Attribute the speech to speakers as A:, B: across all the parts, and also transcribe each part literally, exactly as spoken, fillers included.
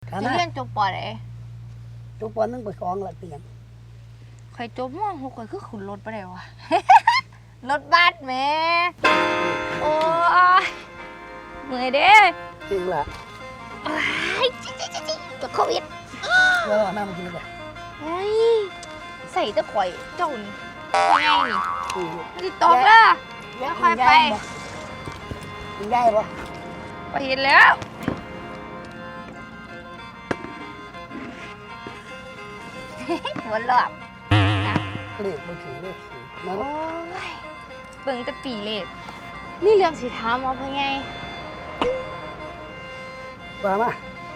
A: เรียนจบปอไหน
B: จบปอนึงไปสองละเตียง
A: ใครจบม่วงหกคนคือขุนรถไปไหนวะ รถบัสแม่โอ้ยเมื่อยเด้
B: จริงละ
A: จิ๊จิ๊จิ๊จิ๊ตัวโควิด
B: ก็น้ำมันกินเลย
A: เฮ้ยใส่ตะข่อยเจ้านี่ไงนี่ติดตกละแล้วค่อยไป
B: กินได้ปะ
A: ไปเห็นแล้วหัวหลอก
B: เลขมันถือเลขถือนะ
A: โอ้ยเบิ่งแต่ปีเลขนี่เรื่องสีท้ามเอาเพื่อไง
B: ว่ามา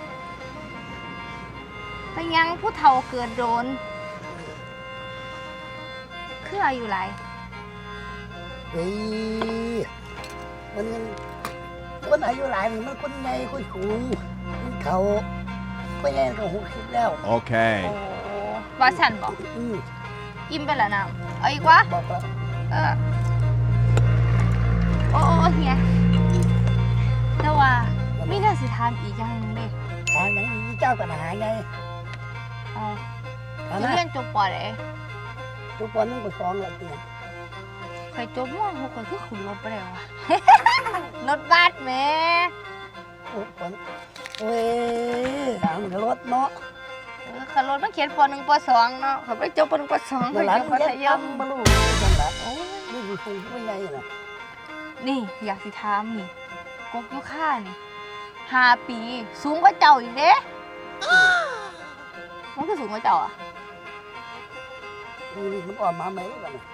A: ไปยังผู้เฒ่าเกิดโดนคืออายุไร
B: เฮ้ยมันคนอายุหลายมันคนใหญ่คนสูงเขาไปแย่ก็หกสิบแล้ว
C: โอเค
A: โอ้ว่าฉันบอกอิ่มไปแล้วนะเอาอีกวะ
B: บอกแล้ว
A: เออโอ้เฮียแต่ว่ามีเรื่องสิทามอีกอย่างนึงดิ
B: ทางไหนมีเจ้ากันหาไง
A: อ๋อจะเรียนจบปอไหน
B: จบปอนึงไปสองละเตียง
A: ใครจบม่วงหกคนคือขุนรถไปไหนวะ รถบัสแม่
B: โอ้ปอนเว้ยทางรถเนาะ
A: เออขับรถมาเขียนปอหนึ่งปอสองเนาะเขาไปจบปอหนึ่งปอสอง
B: เขาอยู่มัธยมบรรลุจังหวะโอ้ยนี่คือคงไม่ใหญ่นะ
A: นี่อยากสิถามนี่กกยุค่านี่ห้าปีสูงกว่าเจ้าอีกเด้มันคือสูงกว่าเจ้าอ่ะ
B: นี่มันอ่อนมาไหมกันนะ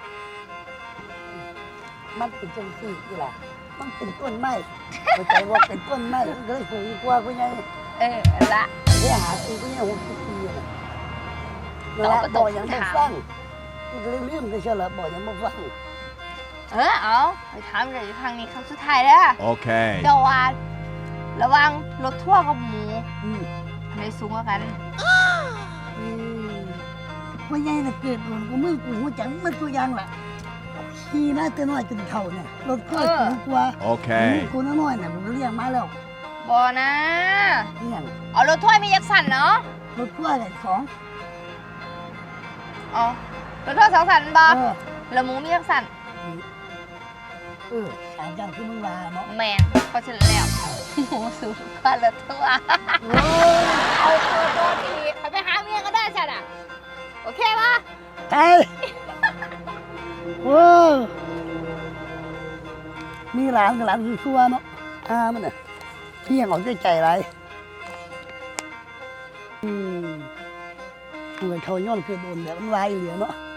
B: มันเป็นจังสี่กี่ล่ะมันเป็นต้นไม้เข้าใจว่าเป็นต้นไม้มันเลยสูงกว่าผู้ใหญ่
A: เออละ
B: เดี๋ยวหาปีผู้ใหญ่หกสิบปีนะละบ่อยังไม่ฟังมันก็เลยลืมไปเชียวละบ่อยังไม่ฟัง
A: เออเอาไปถามเลยทางนี้คำสุดท้ายแล้ว
C: โอเค
A: เจ้าว่าระวังรถทั่วกับหมูอะไรสูงกว่ากัน
B: ผู้ใหญ่น่ะเกิดโดนกูมือกูหัวจังมันตัวอย่างล่ะขี่มาแต่น้อยจนเท่าเนี่ยรถก็สูงกว่า
C: โอเค
B: กูน้อยๆเนี่ยผมเรียกมาแล้ว
A: บอนะ
B: เนี่ย
A: เอารถถ้วยมียักษ์สันเนาะ
B: รถถ้วยอะไรของ
A: อ๋อรถถ้วยสองสันบอแล้วหมูมียักษ์สัน
B: เออสายจังที่มึงมาเนาะ
A: แมนพอเฉลี่ยหมูสูงกว่ารถถ้วยเอาตัวตัวทีไปหาเมียก็ได้ฉันอ่ะโอเคปะ
B: ใช่โอ้มีหลานกับหลานคือชัวเนาะอามันน่ะพี่ยังออกใจใจไรอืมเหมือนเขาย้อนคือโดนแบบมันลายเหลือเนาะ